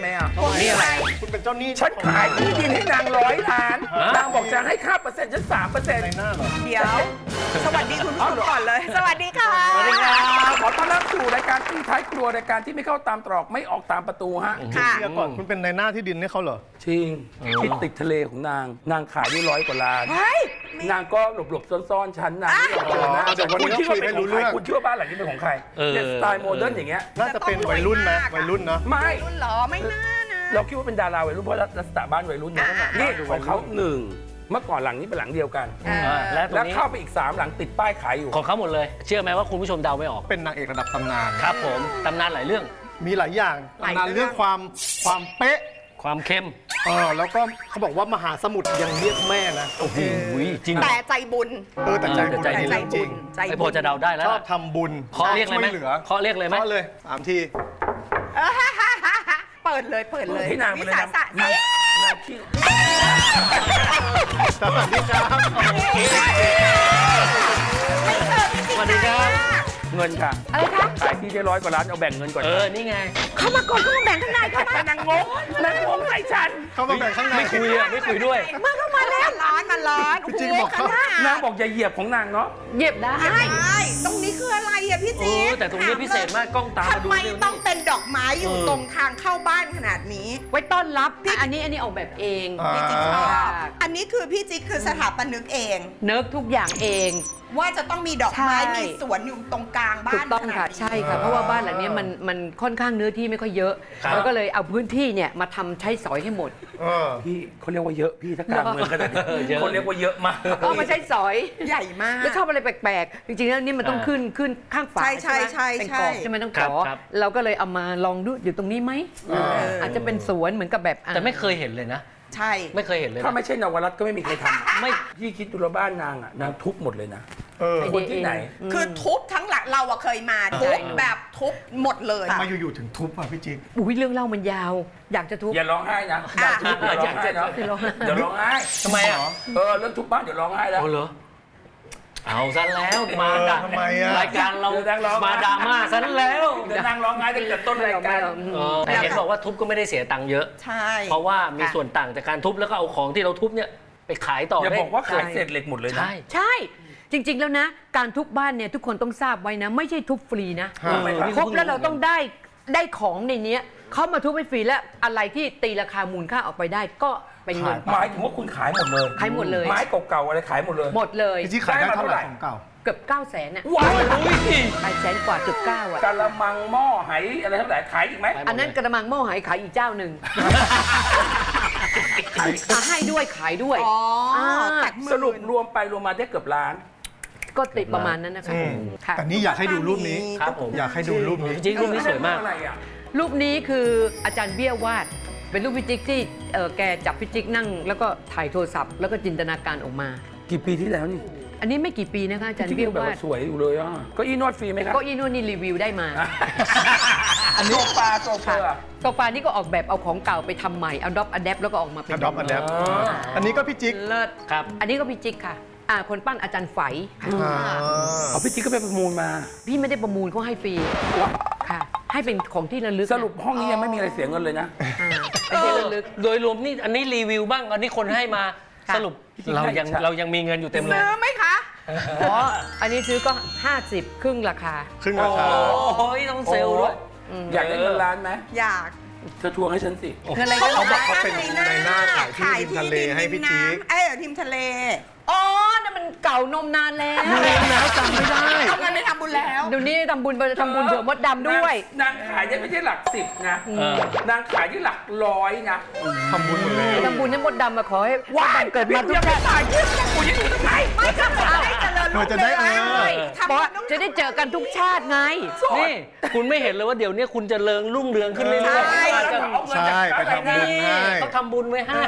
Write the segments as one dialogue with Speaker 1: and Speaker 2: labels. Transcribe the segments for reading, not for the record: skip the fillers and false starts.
Speaker 1: ไหมอ่ะ
Speaker 2: นี่อะไร
Speaker 3: คุณเป็นเจ้าหนี้
Speaker 1: ฉันขายที่ดินให้นาง100 ล้านนางบอกจะให้ค่าเปอร์เซ็นต์ฉัน3%
Speaker 3: ในหน้าเหรอ
Speaker 4: เดี๋ยว สวัสดีคุณผู้ชมก่อนเลย สวัสดีค่ะ
Speaker 2: สวัสดีครับ
Speaker 1: ขอต้อนรับสู่รายการตีท้ายครัวรายการที่ไม่เข้าตามตรอกไม่ออกตามประตูฮะ
Speaker 4: ค่ะ
Speaker 3: เดี๋ยวก่อนคุณเป็นในหน้าที่ดินให้เขาเหรอ
Speaker 1: จริงที่ติดทะเลของนางขายได้100 กว่าล้าน
Speaker 4: เฮ้ย
Speaker 1: นางก็หลบๆซ่อนๆชั้นนางไม่ยอมเจอนะ
Speaker 3: เดี๋ยววันนี้
Speaker 1: คุณคิดว่าเป็นของ
Speaker 3: คุยให้รู้เรื่
Speaker 1: ใคร
Speaker 3: อง
Speaker 1: คุณคิดว่าบ้านหลังนี้เป็นของใครเนี่ยสไตล์โมเดิร์นอย่างเงี้ย
Speaker 3: น่าจะเป็นวัยรุ่นนะวัยรุ่นเนาะ
Speaker 1: ไม่
Speaker 4: รุ่นเหรอไม่น่านะ
Speaker 1: เราคิดว่าเป็นดาราวัยรุ่นเพราะลักษณะบ้านวัยรุ่นนะ
Speaker 4: อ่า
Speaker 1: นี่ของเขา1เมื่อก่อนหลังนี้เป็นหลังเดียวกัน
Speaker 2: และตร
Speaker 1: แล้ว
Speaker 2: งนี้
Speaker 1: เข้าไปอีก3หลังติดป้ายขายอยู่
Speaker 2: ของเขาหมดเลย เชื่อไหมว่าคุณผู้ชมเดาไม่ออก
Speaker 3: เป็นนางเอกระดับตำนาน
Speaker 2: ครับผมตำนานหลายเรื่อง
Speaker 3: มีหลายอย่างตำนานเรื่องความเป๊ะ
Speaker 2: ความเข้ม
Speaker 3: แล้วก็เขาบอกว่ามหาสมุทรยังเรียกแม่นะ
Speaker 2: โอ้โหจริง
Speaker 4: แต่ใจบุญ
Speaker 3: แต่ใจบุญ
Speaker 2: ใจ
Speaker 3: นี่
Speaker 4: ใจ
Speaker 3: เรื่องจ
Speaker 4: บุ
Speaker 3: ริ
Speaker 4: ญ
Speaker 3: ง
Speaker 4: ใจ
Speaker 2: ไอ้
Speaker 4: บุ
Speaker 2: พอ
Speaker 4: ญ
Speaker 2: จะเดาได้แล้ว
Speaker 3: ชอบทำบุญ
Speaker 2: เคาะเรียกเลยไหม
Speaker 3: ช่วเหลือ
Speaker 2: เคาะเรียกเลยไหม
Speaker 3: เคาะเลย3 ที
Speaker 4: เปิดเลยเปิดเลย
Speaker 1: ให้นางไป
Speaker 4: วิ
Speaker 1: เลย
Speaker 4: สา
Speaker 1: นะ
Speaker 4: สะ
Speaker 1: นางชื่อ
Speaker 3: สวัสดีครับ
Speaker 2: สวัสดีครับ
Speaker 1: เงินค่ะ
Speaker 4: อะไรคะ
Speaker 1: ขายที่ได้100 กว่าล้านเอาแบ่งเงินก่อน
Speaker 2: นี่ไง
Speaker 4: เข้ามาก่อนเข้ามาแบ่งข้างในเข้ามา
Speaker 1: แต่นางงงใส่ฉัน
Speaker 3: เข้ามาแบ่งข้างใน
Speaker 2: ไม่คุยอ่ะไม่คุยด้วย
Speaker 4: เข้ามาแล้วร้อนมันร้อน
Speaker 3: พี่จิ๊กบอกเขา
Speaker 1: นางบอกอย่าเหยียบของนางเนาะ
Speaker 4: เหยียบได้ตรงนี้คืออะไรอ่ะพี่จิ๊ก
Speaker 2: แต่ตรงนี้พิเศษมากกล้องตามมา
Speaker 4: ทำ
Speaker 2: ดู
Speaker 4: ไม
Speaker 2: เร็ว
Speaker 4: ต้องเป็นดอกไม้อยู่ตรงทางเข้าบ้านขนาดนี้
Speaker 5: ไว้ต้อนรับอันนี้ออกแบบเอง
Speaker 4: พี่จิ๊กชอบ
Speaker 5: ค่ะ
Speaker 4: อันนี้คือพี่จิ๊กคือสถาปนิกเอง
Speaker 5: เนิร์กทุกอย่างเอง
Speaker 4: ว่าจะต้องมีดอกไม้
Speaker 5: ใช่
Speaker 4: มีสวนอยู่ตรงกลางบ้าน
Speaker 5: ถูกต้องค่ะ
Speaker 4: ขนาดนี้
Speaker 5: ใช่ค่ะ เพราะว่าบ้านหลังเนี้ยมันค่อนข้างเนื้อที่ไม่ค่อยเยอะเราก็เลยเอาพื้นที่เนี่ยมาทำใช้สอยให้หมด
Speaker 1: พี่เขาเรียกว่าเยอะพี่ถ้ากลางเมืองขนาดนี้เขาเรียกว่าเยอะมาก
Speaker 5: เอามาใช้สอย
Speaker 4: ใหญ่มาก
Speaker 5: แล้วชอบอะไรแปลกๆ จริงๆแล้วนี่มันต้องขึ้นข้างฝา
Speaker 4: ใช่
Speaker 5: ใช่ไหม
Speaker 4: ใช่
Speaker 5: เป็น
Speaker 4: ใช่
Speaker 5: กรอบใช่ไหมต้องขอ
Speaker 2: ครับ
Speaker 5: เราก็เลยเอามาลองดูอยู่ตรงนี้ไหมอาจจะเป็นสวนเหมือนกับแบบ
Speaker 2: แต่ไม่เคยเห็นเลยนะ
Speaker 4: ใช่
Speaker 2: ไม่เคยเห็นเลย
Speaker 1: ถ้า
Speaker 2: นะ
Speaker 1: ไม่ใช่นวรัตน์ก็ไม่มีใครทำไม่พี่คิดดูแล้วบ้านนางอ่ะนางทุบหมดเลยนะ คนที่ไหน
Speaker 4: คือทุบทั้งหลักเราอะเคยมาทุบแบบทุบหมดเลย
Speaker 3: มาอยู่ๆถึงทุบอ่ะพี่จิ๊ก
Speaker 5: อุ้ยเรื่องเล่ามันยาว อยากจะทุบ
Speaker 1: อย่าร้องไห้นะอย่าทุบอย่าร้องไห้เนาะ
Speaker 5: อย่าร้องไห้
Speaker 1: เดี๋ยวร้องไห้
Speaker 2: ทำไมอ่ะ
Speaker 1: เรื่องทุบบ้านเดี๋ยวร้องไห้แล้ว
Speaker 2: โอ้เหรอเอาซะแล้วมาด่า
Speaker 3: ทำไมอะ
Speaker 2: รายการเรา
Speaker 1: เดี๋ยวนั่งร้อง
Speaker 2: มาดราม่าซะแล้ว
Speaker 1: เดี๋ยวนางร้องไห้ตั้งแต่ต้นรายการ
Speaker 2: แต่เห็นบอกว่าทุบก็ไม่ได้เสียตังค์เยอะ
Speaker 4: ใช่
Speaker 2: เพราะว่ามีส่วนต่างจากการทุบแล้วก็เอาของที่เราทุบเนี่ยไปขายต่อ
Speaker 1: อย่า
Speaker 2: ได้
Speaker 1: บอกว่าขายเศษเหล็กหมดเลยนะ
Speaker 2: ใช่
Speaker 5: ใช่ จริง ๆ แล้วนะ การทุบบ้านเนี่ยทุกคนต้องทราบไว้นะ ไม่ใช่ทุบฟรีนะ
Speaker 3: ฮะ
Speaker 5: ครบแล้วเราต้องได้ของในเนี้ยเขามาทุบให้ฟรีแล้วอะไรที่ตีราคามูลค่าออกไปได้ก็เป็นเงิน
Speaker 1: หมายถึงว่าคุณขายหมดเลย
Speaker 5: ขายหมดเลย
Speaker 1: ไม้เก่าๆอะไรขายหมดเลย
Speaker 5: หมดเลย
Speaker 3: พี่จิ๊กขายได้เท่าไหร่ของเก่า
Speaker 5: เกือบ900,000น่ะ
Speaker 1: ว้าว
Speaker 5: 800,000 กว่าเกือบ9อ่ะ
Speaker 1: กะละมังหม้อไหอะไรเท่าไหร่ขายอีกไหม
Speaker 5: อันนั้นกระมังหม้อหายขายอีกเจ้าหนึ่งให้ด้วยขายด้วย
Speaker 4: อ๋อ
Speaker 5: อ่า
Speaker 1: สรุปรวมไปรวมมาได้เกือบล้าน
Speaker 5: ก็ติดประมาณนั้นนะคะค่ะ
Speaker 3: แต่นี่อยากให้ดูรูปนี้
Speaker 2: ครับผม
Speaker 3: อยากให้ดูรูปนี้
Speaker 2: จริงๆรูปนี้สวยมาก
Speaker 1: อะไรอ่ะ
Speaker 5: รูปนี้คืออาจารย์เบี้ยวาด เป็นรูปพิจิกที่แกจับพิจิกนั่ง แล้วก็ถ่ายโทรศัพท์แล้วก็จินตนาการออกมา
Speaker 1: กี่ปีที่แล้วนี่
Speaker 5: อันนี้ไม่กี่ปีนะคะอาจารย์
Speaker 1: ที่
Speaker 5: เบี้ยว
Speaker 1: แบบ
Speaker 5: วาด
Speaker 1: ว่าสวยอยู่เลยอ่ะก็อีนวดฟรีไหมครับ
Speaker 5: ก็อีนู่นนี่รีวิวได้มา
Speaker 1: อันนี้โซฟาโซเฟอร์
Speaker 5: โซฟานี่ก็ออกแบบเอาของเก่าไปทำใหม่เอาดอปอะแดปแล้วก็ออกมาเป็น
Speaker 3: Adopt Adapt อันนี้ก็พี่จิ๊ก
Speaker 5: เลิศ
Speaker 2: ครับ
Speaker 5: อันนี้ก็พิจิกค่ะคนปั้นอาจารย์ไฝค่ะ
Speaker 1: เอาพี่จิ๊กก็ไปประมูลมา
Speaker 5: พี่ไม่ได้ประมูลเขาให้ฟรีค่ะ ให้เป็นของที่ระลึก
Speaker 1: สรุปห้องนี้ยังไม่มีอะไรเสียเงินเลยนะ
Speaker 5: เป็นที่ระลึก
Speaker 2: โดยรวมนี่อันนี้รีวิวบ้างอันนี้คนให้มา
Speaker 5: ค่ะ
Speaker 2: สรุปเรายังมีเงินอยู่เต็มเลย
Speaker 4: ซื้อไหมคะ
Speaker 5: อ๋ออันนี้ซื้อก็ 50 ครึ่งราคา
Speaker 3: ครึ่งราคา
Speaker 2: โอ้ยต้องเซลล์ด้วย
Speaker 1: อยากได้เงินล้านไหม
Speaker 4: อยาก
Speaker 1: เธอทวงให้ฉันสิ
Speaker 5: คืออะไร
Speaker 3: เขาบอกเขาเป็นในหน้าขายที่ริมทะเลให้พี่จิ๊ก
Speaker 4: ทิมทะเล
Speaker 5: อ๋อนั่นมันเก่านมนานแล้ว
Speaker 3: แล้วจำไม่ได้
Speaker 4: เอาเงินไปทำบุญแล้ว
Speaker 5: เดี๋ยวนี้ทำบุญเผื่อมดดำด้วย
Speaker 1: นางขายได้ไม่ใช่หลักสิบนะนางขายได้หลักร้อยนะ
Speaker 3: ทำบุญหมดแล้ว
Speaker 5: ทำบุญให้มดดำมาขอให้มดดำเกิดมาทุก
Speaker 1: ยังไม่
Speaker 5: ชาติ
Speaker 1: ตายที่กูยังอยู่ตรงไหน
Speaker 4: ไม่ก็จะได้เจริญ
Speaker 3: เราจะได้
Speaker 5: เพราะจะได้เจอกันทุกชาติไง
Speaker 2: นี่คุณไม่เห็นเลยว่าเดี๋ยวนี้คุณจะเริงรุ่งเรืองขึ้นเรื่อยๆอาจจะ
Speaker 3: ใช่ไปทำบุญให้
Speaker 2: เขาทำบุญไว้ให้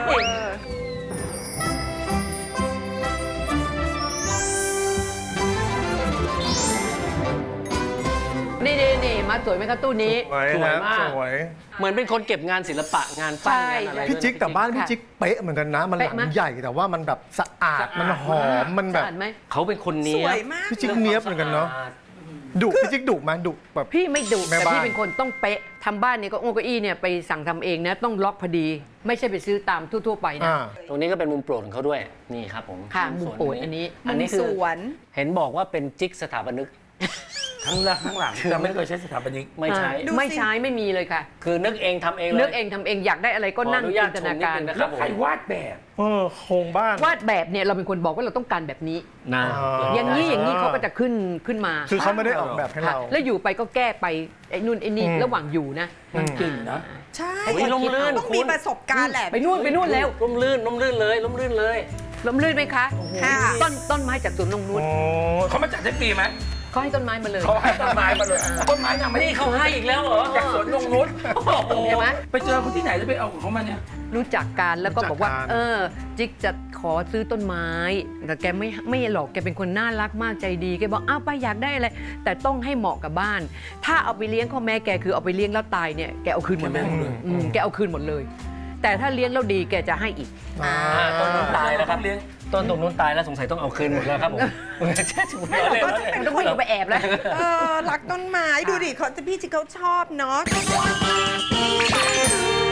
Speaker 5: นี่มาสวยไหมครับตู้นี้
Speaker 3: สวยนะสวย
Speaker 2: เหมือนเป็นคนเก็บงานศิลปะงานปั้นงานอะไร
Speaker 3: พี่จิ๊กแต่บ้านพี่จิ๊กเป๊ะเหมือนกันนะ มันหลั
Speaker 5: เป๊ะไหม
Speaker 3: งใหญ่แต่ว่ามันแบบสะอาดมันหอมมันแบบ
Speaker 5: อ่านไหม
Speaker 2: เขาเป็นคนเนี้
Speaker 4: ส
Speaker 2: ย
Speaker 4: วยมาก
Speaker 3: พี่จิ๊กเนี้ยบเหมือนกันเนาะดุพี่จิ๊กดุไหมดุแบบ
Speaker 5: พี่ไม่ดุ
Speaker 3: แม่
Speaker 5: แต่
Speaker 3: บ้าน
Speaker 5: พี่เป็นคนต้องเป๊ะทำบ้านเนี่ยก็โอ้เก้าอี้เนี่ยไปสั่งทำเองนะต้องล็อกพอดี ไม่ใช่ไปซื้อตามทั่วๆไปนะ
Speaker 3: อ่า
Speaker 2: ตรงนี้ก็เป็นมุมโปรดของเขาด้วยนี่ครับผม
Speaker 5: ค่ะมุม
Speaker 2: ส่วน
Speaker 5: โปรดอันนี้
Speaker 2: อันนี้คื
Speaker 4: ส
Speaker 2: อ
Speaker 4: วน
Speaker 2: เห็นบอกว่าเป็นจิ๊กสถาปนิก
Speaker 1: ทั้งหลังทั้งหลังจะไม่เคยใช้สถาปนิก
Speaker 2: ไม่ใช่
Speaker 4: ดูสิ
Speaker 5: ไม่ใช้ไม่มีเลยค่ะ
Speaker 2: คือนึกเองทำเองเลย
Speaker 5: นึกเองทำเองอยากได้อะไรก็นั่ง
Speaker 2: ขออนุญา
Speaker 5: จิ
Speaker 2: ต
Speaker 5: นตนาการ
Speaker 2: ชมนิดนึงนะ
Speaker 1: แล้วใครวาดแบบ
Speaker 3: โครงบ้าน
Speaker 5: วาดแบบเนี่ยเราเป็นคนบอกว่าเราต้องการแบบนี้
Speaker 2: นะ
Speaker 5: อย่างนี้อย่างนี้เขาก็จะขึ้นมา
Speaker 3: คือเขาไม่ได้ออกแบบให้
Speaker 5: ค่ะ
Speaker 3: เรา
Speaker 5: แล้วอยู่ไปก็แก้ไปไอ้นู่นไอ้นี่ระหว่างอยู่นะ
Speaker 1: มันเก่งนะ
Speaker 4: ใช่
Speaker 2: เฮ้ยลมลื่น
Speaker 4: ต้องมีประสบการณ์แหละ
Speaker 5: ไปนู่นแล้ว
Speaker 2: ล้มลื่นเลยล้มลื่นเลย
Speaker 5: ลมลื่นไหมคะ
Speaker 4: ค่ะ
Speaker 5: ต้นไม้จากสวนนงนุช
Speaker 1: เขามาจัดได้ปีไหม
Speaker 5: เขาให้ต้นไม้มาเลย
Speaker 1: เขาให้ต้นไม้มาเลยต้นไม้ยังไม่ได้
Speaker 2: นี่เขาให้อีกแล้วเหรอ
Speaker 1: จากสวนนงนุช
Speaker 5: ใช่ไหม
Speaker 1: ไปเจอคนที่ไหนแล้วไปเอาของเขามาเนี่ย
Speaker 5: รู้จักกันแล้วก็บอกว่า
Speaker 3: รู้จักกัน
Speaker 5: จิ๊กจะขอซื้อต้นไม้แต่แกไม่หรอกแกเป็นคนน่ารักมากใจดีแกบอกอ้าวป้าอยากได้อะไรแต่ต้องให้เหมาะกับบ้าน ถ้าเอาไปเลี้ยงข้อแม่แกคือเอาไปเลี้ยงแล้วตายเนี่ยแกเอาคืนหมดเลย แกเอาคืนหมดเลย แต่ถ้าเลี้ยงแล้วดีแกจะให้อีก
Speaker 2: ต้นนู้นตายแล้วครับต้นตรงนู้นตายแล้วสงสัยต้องเอาคืนหมดแล้วครับผมใช่ถูกแล้วเลย
Speaker 5: มันต้องวิ่งออกไปแอบแล้ว
Speaker 4: รักต้นไม้ดูดิเขาพี่จิ๊กเขาชอบเนาะ